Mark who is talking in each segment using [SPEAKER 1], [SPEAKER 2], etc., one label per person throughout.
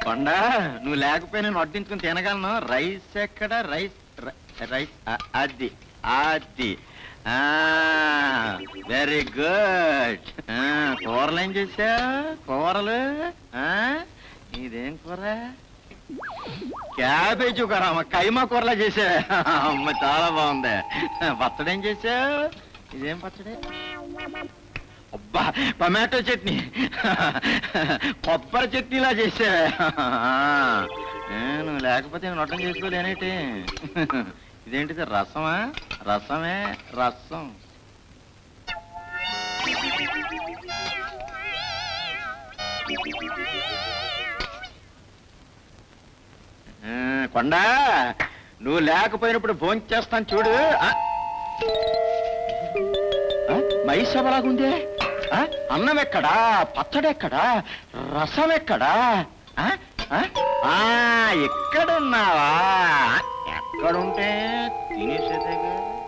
[SPEAKER 1] కొండ నువ్వు లేకపోయినా నేను వడ్డించుకుని తినగలను. రైస్ ఎక్కడ? రైస్ రైస్ అది అది వెరీ గుడ్. కూరలు ఏం చేసా? కూరలు ఇదేం కూర? క్యాబేజీ కూర. కైమా కూరలా చేసా. అమ్మ చాలా బాగుంది. పచ్చడి ఏం చేసా? ఇదేం పచ్చడి? అబ్బా టమాటో చట్నీ, కొబ్బరి చట్నీలా చేసా. నువ్వు లేకపోతే నేను నొట్టం చేసుకోలేనేటి. ఇదేంటిది? రసమా? రసమే రసం. కొండ నువ్వు లేకపోయినప్పుడు భోంచేస్తాను చేస్తాను చూడు. మైసభలాగుందే. అన్నం ఎక్కడా? పచ్చడి ఎక్కడా? రసం ఎక్కడా? ఎక్కడున్నావా? ఎక్కడుంటే తినేసేదేగా.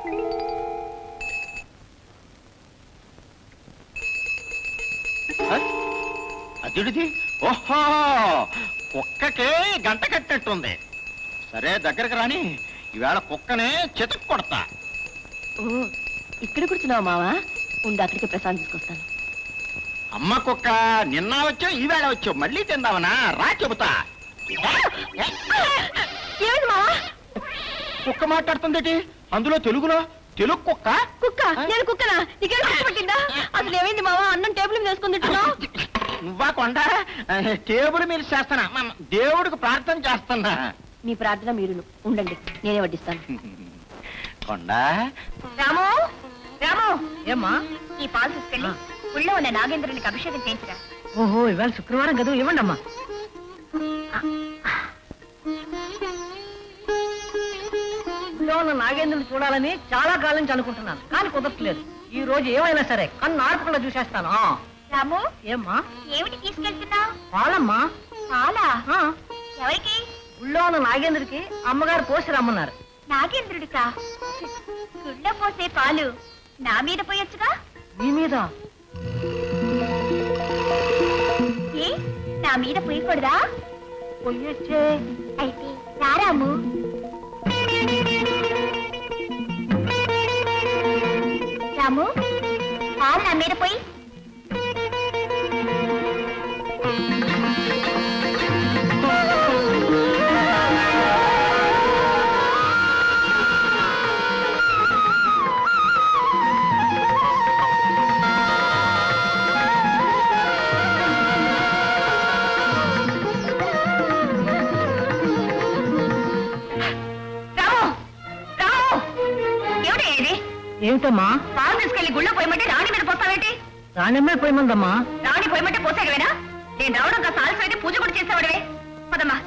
[SPEAKER 1] అదిడిది. ఓహో, కుక్కకే గంట కట్టినట్టుంది. సరే దగ్గరకు రాని, ఈవేళ కుక్కనే చితక్ కొడతా.
[SPEAKER 2] ఇక్కడ కూర్చున్నావు మావా? ఉండి అక్కడికి ప్రసాదం తీసుకొస్తాను.
[SPEAKER 1] అమ్మ కుక్క, నిన్న వచ్చావు ఈవేళ వచ్చావు, మళ్ళీ తిందామనా? రా చెబుతా.
[SPEAKER 2] ఏమిటి మావా?
[SPEAKER 1] కుక్క మాట్లాడుతుందేటి? అందులో తెలుగులో. తెలుగు కుక్క?
[SPEAKER 2] కుక్క? నేను కుక్కనా? నీకేం పట్టిందా? అసలు ఏమైంది మావా? అన్నం టేబుల్ మీద వేసుకుని తింటున్నావు.
[SPEAKER 1] నువ్వా కొండ? టేబుల్ మీద చేస్తానా? దేవుడికి ప్రార్థన చేస్తున్నా.
[SPEAKER 2] మీ ప్రార్థన మీరును ఉండండి, నేనే వడ్డిస్తాను.
[SPEAKER 1] కొండ
[SPEAKER 2] రాము, రాము.
[SPEAKER 3] ఏమ్మా?
[SPEAKER 2] ఈ పాలు తీసుకెళ్ళి ఊళ్ళో ఉన్న నాగేంద్రునికి అభిషేకం చేయించరా.
[SPEAKER 3] ఓహో, ఇవాళ శుక్రవారం కదా, ఇవ్వండి అమ్మా. ఊళ్ళో ఉన్న నాగేంద్రుని చూడాలని చాలా కాలం నుంచి అనుకుంటున్నాను, కానీ కుదరట్లేదు. ఈ రోజు ఏమైనా సరే కన్ను ఆర్పకుండా చూసేస్తాను.
[SPEAKER 2] రాము,
[SPEAKER 3] ఏమ్మా?
[SPEAKER 2] ఏమిటి తీసుకెళ్తున్నావు?
[SPEAKER 3] పాలమ్మా.
[SPEAKER 2] పాలా? ఎవరికి?
[SPEAKER 3] ఊళ్ళో ఉన్న నాగేంద్రుడికి అమ్మగారు పోసి రమ్మన్నారు.
[SPEAKER 2] నాగేంద్రుడికా? గుళ్ళో పోసే పాలు నా మీద పోయొచ్చుగా.
[SPEAKER 3] మీ మీద?
[SPEAKER 2] ఏ, నా మీద పోయకూడదా?
[SPEAKER 3] పోయొచ్చే.
[SPEAKER 2] అయితే రారాము. రాము, పాలు నా మీద పోయి.
[SPEAKER 3] ఏమిటమ్మా?
[SPEAKER 2] పాలు తీసుకెళ్లి గుళ్ళో పోయమంటే రాణి మీద పోస్తావేంటి?
[SPEAKER 3] రాణిమ్మే పోయమందమ్మా.
[SPEAKER 2] రాణి పోయమంటే పోసాగవేనా? నేను రావడం కాస్త ఆలస్యం అయితే పూజ కూడా చేసేవాడివే. పదమ్మా.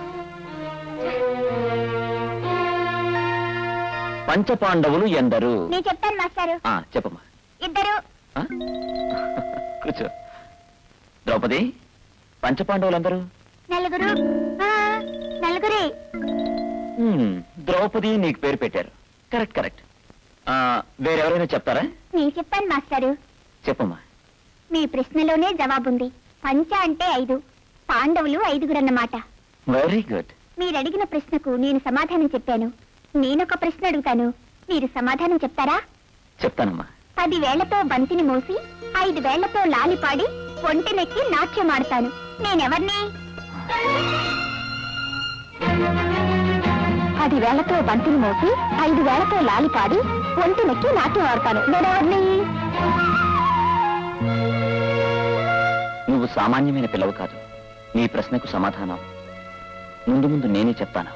[SPEAKER 4] పంచపాండవులు ఎందరు?
[SPEAKER 2] నేను చెప్తాను మాస్టారు.
[SPEAKER 4] చెప్పమ్మా.
[SPEAKER 2] ఇద్దరు.
[SPEAKER 4] కూర్చో. ద్రౌపది, పంచపాండవులందరూ?
[SPEAKER 2] నలుగురు. నలుగురే.
[SPEAKER 4] ద్రౌపది నీకు పేరు పెట్టారు. Correct correct. వేరెవరైనా చెప్తారా?
[SPEAKER 2] నేను చెప్పాను మాస్టారు.
[SPEAKER 4] చెప్పమ్మా.
[SPEAKER 2] మీ ప్రశ్నలోనే జవాబుంది. పంచ అంటే 5, పాండవులు 5గురు అన్నమాట.
[SPEAKER 4] Very good.
[SPEAKER 2] మీరు అడిగిన ప్రశ్నకు నేను సమాధానం చెప్పాను. నేనొక ప్రశ్న అడుగుతాను, మీరు సమాధానం చెప్తారా?
[SPEAKER 4] చెప్తానమ్మా.
[SPEAKER 2] 10 వేళ్లతో బంతిని మోసి 5 వేళ్లతో లాలిపాడి ఒంటినెక్కి నాట్యం ఆడతాను. నేనెవర్ని? 10 వేళ్లతో బంతిని మోసి 5 వేళ్లతో లాలిపాడి ఒంటినెక్కి నాట్యం ఆడతాను. నేనెవర్ని?
[SPEAKER 4] నువ్వు సామాన్యమైన పిల్లవు కాదు. నీ ప్రశ్నకు సమాధానం ముందు ముందు నేనే చెప్తాను.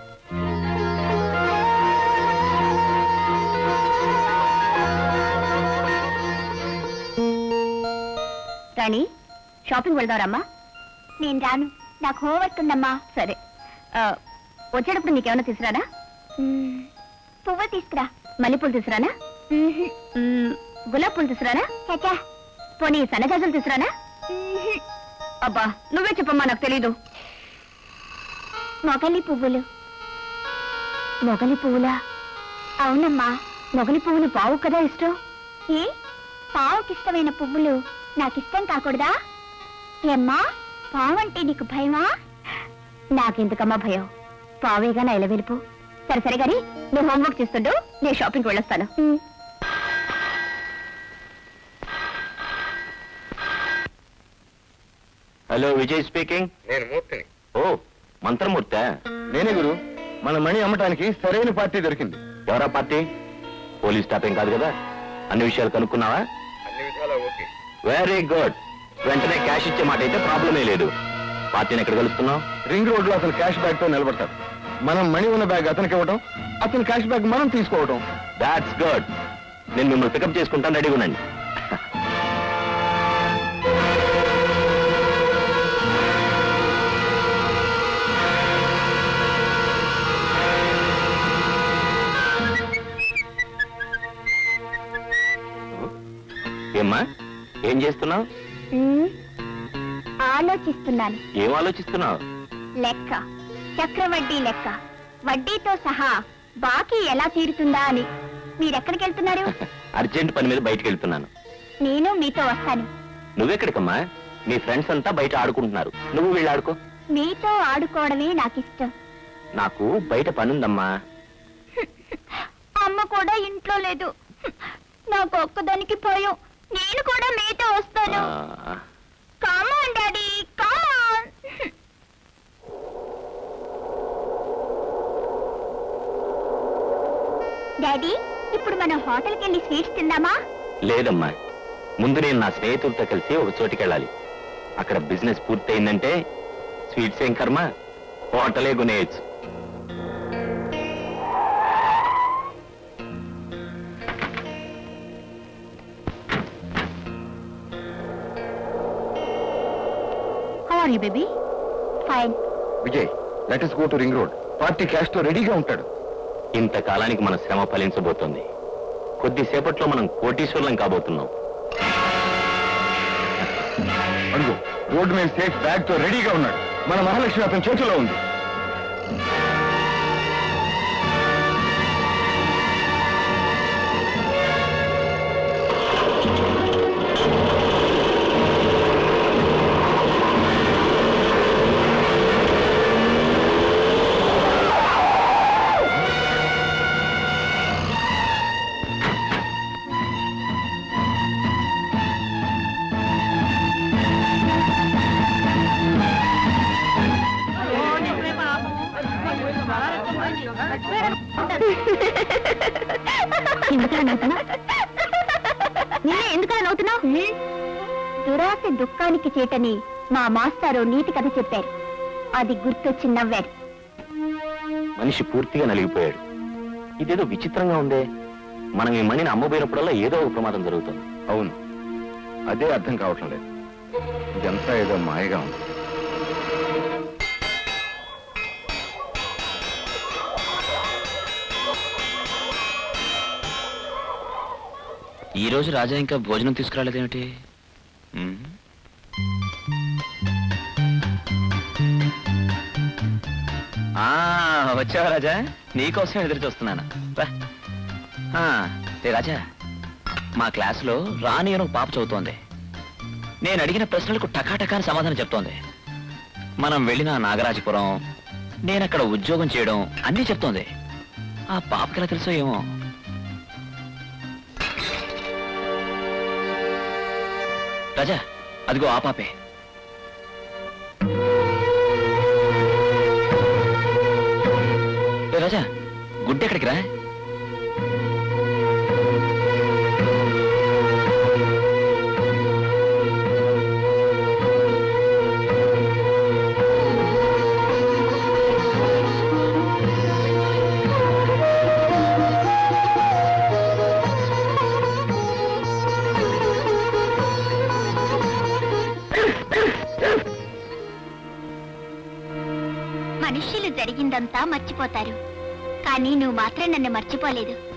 [SPEAKER 2] రాణి, షాపింగ్ వెళ్దారమ్మా. నేను రాను, నాకు హోంవర్క్ ఉందమ్మా. సరే, వచ్చేటప్పుడు నీకేమైనా తీసుకురానా? పువ్వు తీసుకురా. మల్లెపూలు తీసుకురానా? గులాబ్ పూలు తీసుకురానా? పోనీ సన్నజాజులు తీసుకురానా? అబ్బా నువ్వే చెప్పమ్మా, నాకు తెలీదు. మొగలి పువ్వులు. మొగలి పువ్వులా? అవునమ్మా, మొగలి పువ్వులు పావు కదా ఇష్టం. ఏ, పావుకిష్టమైన పువ్వులు నాకిష్టం కాకూడదా? ఏమ్మా, పావు అంటే నీకు భయమా? నాకెందుకమ్మా భయం, పావేగా నా ఇలా వెళ్ళిపో. సరే సరే గాని నువ్వు హోంవర్క్ చేస్తుండు, నేను షాపింగ్కి వెళ్ళొస్తాను.
[SPEAKER 4] Hello, Vijay speaking.
[SPEAKER 5] నేను మూర్తిని.
[SPEAKER 4] ఓ, మంత్రమూర్తి.
[SPEAKER 5] నేనే గురు. మన మణి అమ్మటానికి సరైన పార్టీ దొరికింది.
[SPEAKER 4] ఎవరా పార్టీ? పోలీస్ స్టాఫ్ ఏం కాదు కదా? అన్ని విషయాలు కనుక్కున్నావా?
[SPEAKER 5] అన్ని విధాలా ఓకే.
[SPEAKER 4] Very good. వెంటనే క్యాష్ ఇచ్చే మాట అయితే ప్రాబ్లమే లేదు. పార్టీని ఎక్కడ కలుస్తున్నావు?
[SPEAKER 5] రింగ్ రోడ్ లో అతను క్యాష్ బ్యాగ్ తో నిలబడతాడు. మనం మణి ఉన్న బ్యాగ్ అతనికి ఇవ్వటం, అతని క్యాష్ బ్యాగ్ మనం తీసుకోవటం.
[SPEAKER 4] That's good. నేను మిమ్మల్ని పికప్ చేసుకుంటాను, రెడీగా ఉండండి. ఏమ్మా, ఏం చేస్తున్నావు?
[SPEAKER 2] ఆలోచిస్తున్నాను.
[SPEAKER 4] ఏం ఆలోచిస్తున్నావు?
[SPEAKER 2] లెక్క, చక్రవడ్డీ లెక్క, వడ్డీతో సహా బాకీ ఎలా తీరుతుందా అని. మీరెక్కడికి వెళ్తున్నారు?
[SPEAKER 4] అర్జెంట్ పని మీద బయటకు వెళ్తున్నాను.
[SPEAKER 2] నేను మీతో వస్తాను.
[SPEAKER 4] నువ్వెక్కడికమ్మా? మీ ఫ్రెండ్స్ అంతా బయట ఆడుకుంటున్నారు, నువ్వు వీళ్ళు ఆడుకో.
[SPEAKER 2] మీతో ఆడుకోవడమే నాకిష్టం.
[SPEAKER 4] నాకు బయట పనుందమ్మా.
[SPEAKER 2] అమ్మ కూడా ఇంట్లో లేదు. నాకు ఒక్కదానికి భయం. నేను కూడా మీతో వస్తాను. Come on daddy, come on. డాడీ, ఇప్పుడు మనం హోటల్కి వెళ్ళి స్వీట్స్ తిందామా?
[SPEAKER 4] లేదమ్మా, ముందు నేను నా స్నేహితులతో కలిసి ఒక చోటికి వెళ్ళాలి. అక్కడ బిజినెస్ పూర్తయిందంటే స్వీట్స్ ఏం కర్మ, హోటలే కొనేయచ్చు.
[SPEAKER 2] How are you baby? Fine.
[SPEAKER 5] Vijay, let us go to ring road. Party cash తో రెడీగా ఉంటాడు.
[SPEAKER 4] ఇంతకాలానికి మన శ్రమ ఫలించబోతోంది. కొద్దిసేపట్లో మనం కోటీశ్వరులం కాబోతున్నాం.
[SPEAKER 5] అడుగు, రోడ్డు మీద సేఫ్ బ్యాగ్ తో రెడీగా ఉన్నాడు. మన మహాలక్ష్మి అతని చేతిలో ఉంది.
[SPEAKER 2] ఎందుకలా నవ్వుతున్నావు? దురాశ దుఃఖానికి చేటని మా మాస్టారు నీతి కథ చెప్పారు. అది గుర్తొచ్చి నవ్వారు.
[SPEAKER 4] మనిషి పూర్తిగా నలిగిపోయాడు. ఇదేదో విచిత్రంగా ఉందే. మనం ఈ మణిని అమ్మబోయినప్పుడల్లా ఏదో ఒక ప్రమాదం జరుగుతుంది.
[SPEAKER 5] అవును, అదే అర్థం కావటం లేదు. ఇదంతా ఏదో మాయగా ఉంది.
[SPEAKER 4] ఈ రోజు రాజా ఇంకా భోజనం తీసుకురాలేదేమిటి? వచ్చావా రాజా? నీకోసం ఎదురు చూస్తున్నాను. రాజా, మా క్లాసులో రాణి అని ఒక పాప చదువుతోంది. నేను అడిగిన ప్రశ్నలకు టకాటకాని సమాధానం చెప్తోంది. మనం వెళ్ళిన నాగరాజపురం, నేనక్కడ ఉద్యోగం చేయడం అన్నీ చెప్తోంది. ఆ పాపకి ఎలా తెలుసో ఏమో. రాజా, అదిగో ఆ పాపే. రాజా, గుడ్డెక్కడికి రా.
[SPEAKER 2] మనుష్యులు జరిగిందంతా మర్చిపోతారు, కానీ నువ్వు మాత్రం నన్ను మర్చిపోలేదు.